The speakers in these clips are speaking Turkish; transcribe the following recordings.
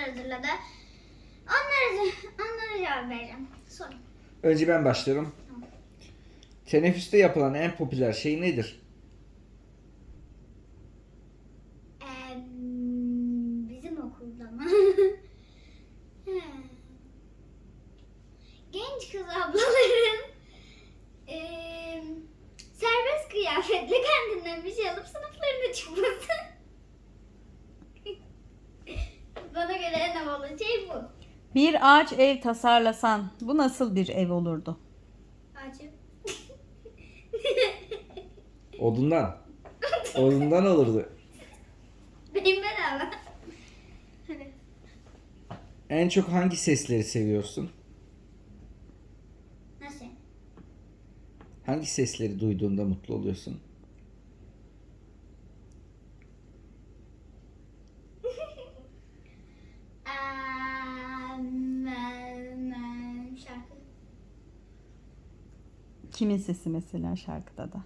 hazırladı. Onlara cevap vereceğim. Sorun. Önce ben başlıyorum. Tamam. Teneffüste yapılan en popüler şey nedir? Bizim okulda mı? Genç kız ablaların serbest kıyafetle kendinden bir şey alıp sınıflarına çıkması. Bana göre en havalı şey bu. Bir ağaç ev tasarlasan bu nasıl bir ev olurdu? Acı. Odundan. Odundan olurdu. Benim bedava. Hadi. En çok hangi sesleri seviyorsun? Nasıl? Hangi sesleri duyduğunda mutlu oluyorsun? Şarkı. Kimin sesi mesela şarkıda da?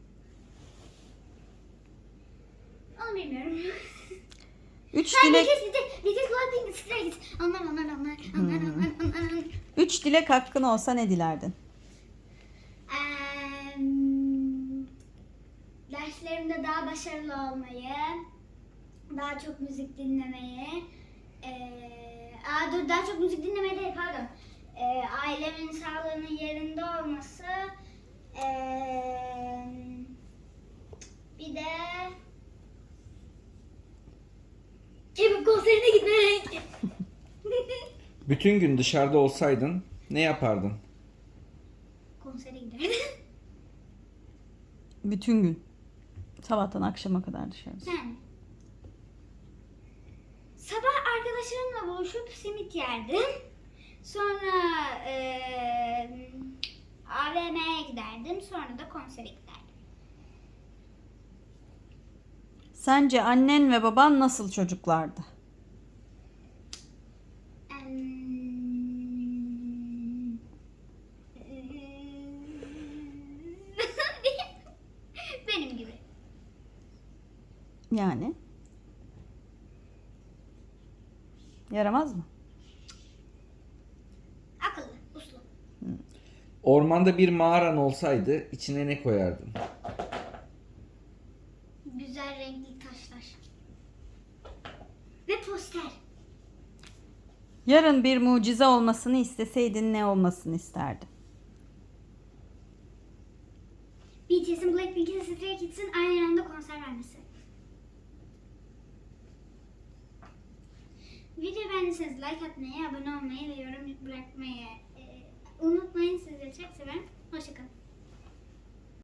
Onu bilmiyorum. Üç Hayır, dilek, Because Blackpink, Stray Kids. Onlar. 3 dilek hakkın olsa ne dilerdin? Derslerimde daha başarılı olmayı, daha çok müzik dinlemeyi, daha çok müzik dinlemeyi değil, pardon. Ailemin sağlığının yerinde olması, bir de K-pop konserine gitmek. Bütün gün dışarıda olsaydın ne yapardın? Konsere giderdim. Bütün gün. Sabahtan akşama kadar dışarıda. Yani. Sabah arkadaşlarımla buluşup simit yerdim. Sonra AVM'ye giderdim. Sonra da konsere giderdim. Sence annen ve baban nasıl çocuklardı? Benim gibi. Yani? Yaramaz mı? Akıllı, uslu. Ormanda bir mağaran olsaydı içine ne koyardın? Güzel renkli taşlar. Ve poster. Yarın bir mucize olmasını isteseydin ne olmasını isterdin? BTS'in, Blackpink'in, Stray Kids'in aynı anda konser vermesi. Videoyu beğendiyseniz like atmayı, abone olmayı ve yorum bırakmayı unutmayın. Sizleri çok severim. Hoşçakalın.